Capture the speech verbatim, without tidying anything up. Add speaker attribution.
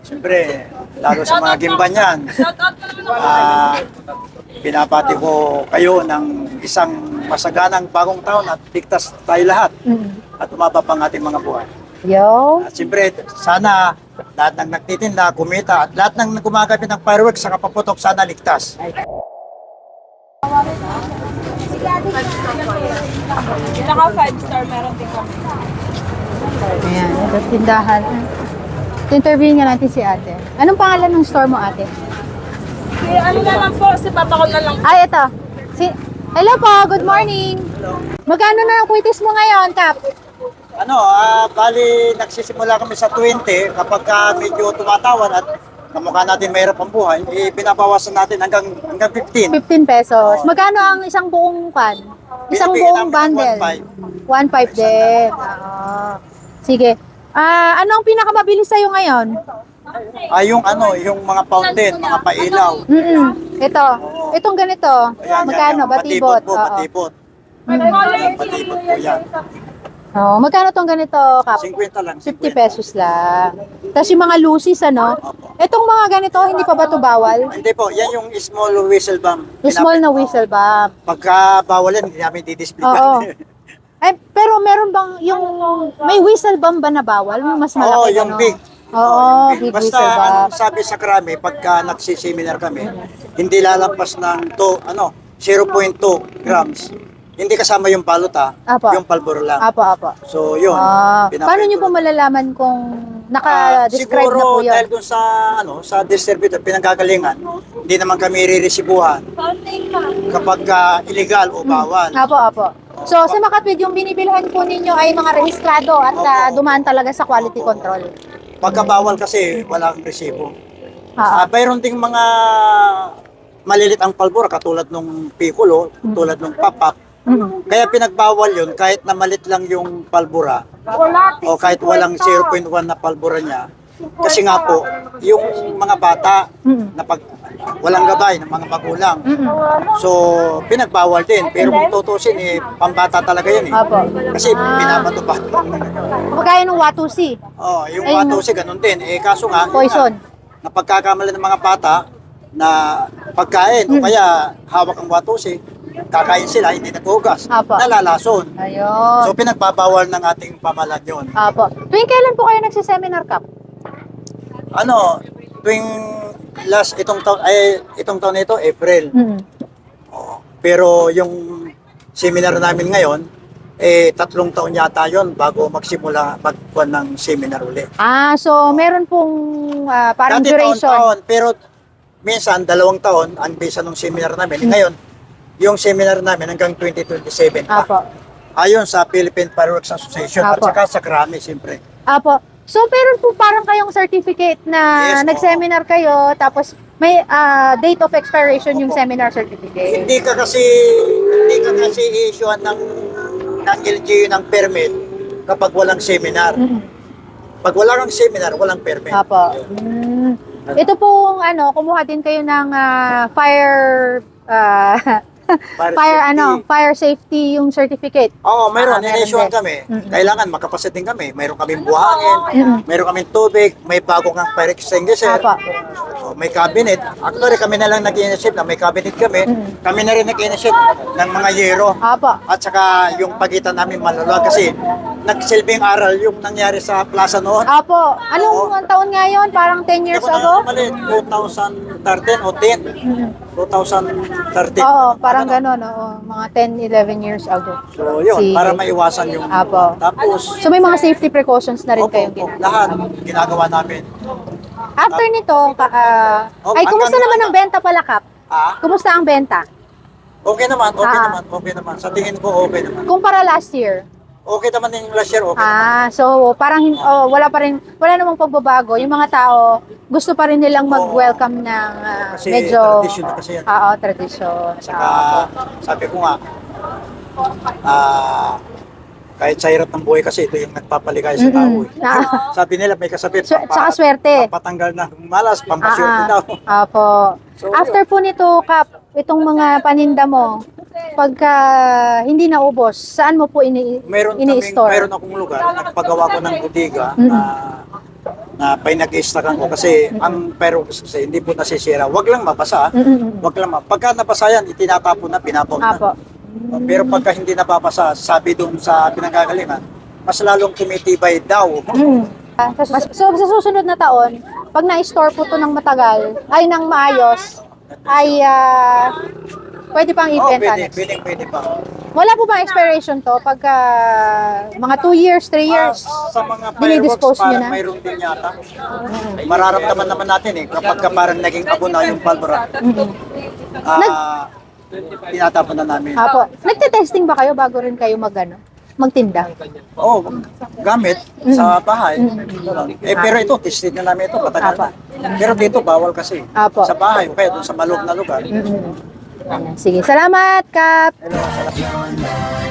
Speaker 1: Siyempre, lalo sa mga gimban yan, ah, pinapati ko kayo ng isang masaganang bagong taon at ligtas tayo lahat
Speaker 2: Mm.
Speaker 1: at umaba pang ating mga buhay.
Speaker 2: Yo.
Speaker 1: At siyempre, sana lahat ng nagtitinda, kumita at lahat ng gumagamit ng fireworks sa kapaputok sana ligtas.
Speaker 3: Saka five star meron din kami.
Speaker 2: Ayan, ito tindahan. Interview nga natin si ate. Anong pangalan ng store mo, ate?
Speaker 3: Si ano na lang po, si Papa ko na lang.
Speaker 2: Ay, ito. Si Hello po, good morning. Magkano na ang kwitis mo ngayon, Kap?
Speaker 1: Ano, ah, bali nagsisimula kami sa twenty kapag ka medyo tumatawan at kamukha natin mahirap ang buhay, eh, pinabawasan natin hanggang hanggang fifteen.
Speaker 2: fifteen pesos. Magkano ang isang buong pan? Isang
Speaker 1: Binibigyan
Speaker 2: buong
Speaker 1: namin ng
Speaker 2: bundle?
Speaker 1: one five.
Speaker 2: one five din. Oo. Sige. Ah, ano ang pinakamabilis sa'yo ngayon?
Speaker 1: Ah, yung ano, yung mga fountain, mga pailaw.
Speaker 2: Mm-mm. Ito. Itong ganito.
Speaker 1: Ayan,
Speaker 2: Magkano?
Speaker 1: yan, yan.
Speaker 2: Batibot.
Speaker 1: po,
Speaker 2: Oo.
Speaker 1: batibot.
Speaker 3: May color
Speaker 1: Batibot po yan.
Speaker 2: Oo. Magkano tong ganito, Kap?
Speaker 1: fifty lang.
Speaker 2: fifty pesos lang. Tapos yung mga lucis, ano? Itong mga ganito, hindi pa ba ito bawal?
Speaker 1: Hindi po, yan yung small whistle bomb.
Speaker 2: Yung small na whistle ba?
Speaker 1: Pagka bawal yan, hindi namin didisplay.
Speaker 2: Oo. Ay, pero meron bang yung may whistle bomb ba na bawal? Yung mas malaki
Speaker 1: Oo, yung
Speaker 2: ano?
Speaker 1: big.
Speaker 2: Oo,
Speaker 1: yung
Speaker 2: big
Speaker 1: Basta
Speaker 2: whistle bomb.
Speaker 1: ang sabi sa krami, pagka nagsiseminar kami, hindi lalampas ng to, ano, zero point two grams. Hindi kasama yung balot ha,
Speaker 2: Apo.
Speaker 1: yung palboro lang.
Speaker 2: Apo, apo.
Speaker 1: So yun.
Speaker 2: Ah,
Speaker 1: pinapay
Speaker 2: paano nyo
Speaker 1: ko.
Speaker 2: po malalaman kung
Speaker 1: Ah,
Speaker 2: naka-describe
Speaker 1: siguro
Speaker 2: na po yun?
Speaker 1: dahil dun sa ano sa distributor pinanggagalingan, hindi naman kami riresibuhan
Speaker 3: fountain pa.
Speaker 1: kapag ah, illegal o bawal.
Speaker 2: Apo, apo. So, sa Makatwid, yung binibilhan po ninyo ay mga rehistrado at ah, dumaan talaga sa quality control.
Speaker 1: Pagka bawal kasi walang resibo.
Speaker 2: Ah,
Speaker 1: Ah, mayroon ding mga malilit ang palbora katulad nung piccolo, tulad nung papap.
Speaker 2: mm.
Speaker 1: Kaya pinagbawal yun kahit na malit lang yung palbura
Speaker 3: Wala.
Speaker 1: o kahit walang zero point one na palbura niya. Kasi nga po, yung mga bata
Speaker 2: Mm.
Speaker 1: na pag walang gabay ng mga magulang.
Speaker 2: Mm-mm.
Speaker 1: So, pinagbawal din. Pero kung tutusin, eh, pambata talaga yan eh.
Speaker 2: Apo.
Speaker 1: Kasi pinapatupad.
Speaker 2: Kagaya ng Watusi,
Speaker 1: Oh, yung
Speaker 2: Ay,
Speaker 1: watusi, ganun din. Eh, kaso nga, yun
Speaker 2: poison.
Speaker 1: nga, napagkakamali ng mga bata na pagkain o kaya hawak ang watusi, kakain sila, hindi naghugas,
Speaker 2: Apo.
Speaker 1: nalalason.
Speaker 2: Ayun.
Speaker 1: So, pinagbabawal ng ating pamalan yun.
Speaker 2: Apo. Tuwing kailan po kayo nagsiseminar, Kap?
Speaker 1: Ano, tuwing last itong taon, ay itong taon nito, April.
Speaker 2: Mm.
Speaker 1: Oo. Pero yung seminar namin ngayon, eh tatlong taon yata yon bago magsimula magkuhan ng seminar uli.
Speaker 2: Ah, so meron pong ah, parang
Speaker 1: Dati
Speaker 2: duration.
Speaker 1: taon-taon, pero minsan dalawang taon ang bisa ng seminar namin. Ngayon, yung seminar namin hanggang twenty twenty-seven pa.
Speaker 2: Apo.
Speaker 1: Ayon sa Philippine Fireworks Association at
Speaker 2: Apo.
Speaker 1: saka sa Krami, siyempre.
Speaker 2: Apo. So, meron po parang kayong certificate na
Speaker 1: Yes,
Speaker 2: nag-seminar kayo, tapos may ah, date of expiration yung seminar certificate.
Speaker 1: Hindi ka kasi hindi ka kasi i-issuean ng ng L G U ng permit kapag walang seminar.
Speaker 2: Mm.
Speaker 1: Pag wala kang seminar, walang permit.
Speaker 2: Apo. Mm. Ito pong ano, kumuha din kayo ng ah, fire ah,
Speaker 1: Fire
Speaker 2: fire
Speaker 1: safety.
Speaker 2: ano, fire safety yung certificate.
Speaker 1: Oo, mayroon.
Speaker 2: Ah, meron
Speaker 1: Ina-issuean
Speaker 2: din.
Speaker 1: kami.
Speaker 2: Mm-mm.
Speaker 1: Kailangan makapasit din kami. Mayroon kaming buhangin,
Speaker 2: Mm-mm.
Speaker 1: mayroon kaming tubig, may bago kang fire extinguisher,
Speaker 2: Apo.
Speaker 1: o may cabinet. Actually, kami na lang nag-initiate na may cabinet kami.
Speaker 2: Mm.
Speaker 1: Kami na rin nag-initiate ng mga yero.
Speaker 2: Apo.
Speaker 1: At saka yung pagitan namin maluwag kasi nagsilbing aral yung nangyari sa plaza noon.
Speaker 2: Apo. Anong taon nga yun? Parang ten years
Speaker 1: Hindi ko
Speaker 2: ago?
Speaker 1: na mali, twenty thirteen o ten.
Speaker 2: Mm.
Speaker 1: twenty thirteen.
Speaker 2: Oo, parang gano'n, oo. Mga ten, eleven years ago.
Speaker 1: So yun,
Speaker 2: Sige.
Speaker 1: para maiwasan yung...
Speaker 2: Apo.
Speaker 1: Tapos,
Speaker 2: So may mga safety precautions na rin
Speaker 1: opo,
Speaker 2: kayong
Speaker 1: opo,
Speaker 2: ginagawa.
Speaker 1: lahat ginagawa namin.
Speaker 2: After nito, ka- ah,
Speaker 1: Oh,
Speaker 2: ay kumusta
Speaker 1: hanggang-
Speaker 2: naman ang benta pala, Kap?
Speaker 1: Ah,
Speaker 2: Kumusta ang benta?
Speaker 1: okay naman, okay
Speaker 2: Ah.
Speaker 1: naman, okay naman. Sa tingin ko, okay naman.
Speaker 2: Kumpara last year?
Speaker 1: Okay naman din yung last year, okay.
Speaker 2: Ah, so parang hin- oh, wala pa rin, wala namang pagbabago. Yung mga tao, gusto pa rin nilang mag-welcome ng ah,
Speaker 1: Kasi
Speaker 2: medyo...
Speaker 1: tradition na kasi yan.
Speaker 2: Oo, tradisyon.
Speaker 1: Saka,
Speaker 2: Ah,
Speaker 1: sabi ko nga, ah, kahit sa hirap ng buhay kasi, ito yung nagpapaligay sa tao.
Speaker 2: Mm-mm.
Speaker 1: Eh.
Speaker 2: Ah.
Speaker 1: Sabi nila, may kasabit.
Speaker 2: Swer- tsaka swerte.
Speaker 1: Papatanggal na ng malas, pampaswerte
Speaker 2: ah,
Speaker 1: daw.
Speaker 2: ah, Apo.
Speaker 1: So,
Speaker 2: After po nito, Kap, itong mga paninda mo, pagka hindi naubos, saan mo po ini
Speaker 1: Meron kaming,
Speaker 2: ini-store?
Speaker 1: meron akong lugar, nagpagawa ko ng bodega
Speaker 2: Mm-mm.
Speaker 1: na na pinag-istakan ko kasi ang pero kasi hindi po nasisira. Wag lang mabasa.
Speaker 2: Mm-mm.
Speaker 1: Wag lang ma. Pagka nabasa yan, itinatapon na, pinapon na.
Speaker 2: Apo.
Speaker 1: Pero pagka hindi nababasa, sabi doon sa pinanggagalingan, mas lalong tumitibay daw.
Speaker 2: Mm. Ah, Mas- So, sa susunod na taon, pag na-store po to ng matagal, ay ng maayos, ay ah, pwede pang
Speaker 1: Oh,
Speaker 2: ibenta
Speaker 1: pwede,
Speaker 2: next.
Speaker 1: pwede, pwede pa.
Speaker 2: Wala po ba expiration to? Pagka mga two years, three years?
Speaker 1: Ah, sa mga
Speaker 2: Dinidispose
Speaker 1: fireworks,
Speaker 2: nyo
Speaker 1: parang
Speaker 2: na?
Speaker 1: mayroon din yata. Mararamdaman naman natin eh, kapag ka parang naging abo na yung pulvera, ah, tinatapon na namin.
Speaker 2: Apo. Nagte-testing ba kayo bago rin kayo mag, ano, magtinda?
Speaker 1: Oo, gamit sa bahay. Eh, pero ito, tested na namin ito, patagal na. Pero dito, bawal kasi.
Speaker 2: Apo.
Speaker 1: Sa bahay, o kaya doon sa maloob na lugar.
Speaker 2: Mm-mm. Sige, salamat, Kap!
Speaker 1: Hello, salamat.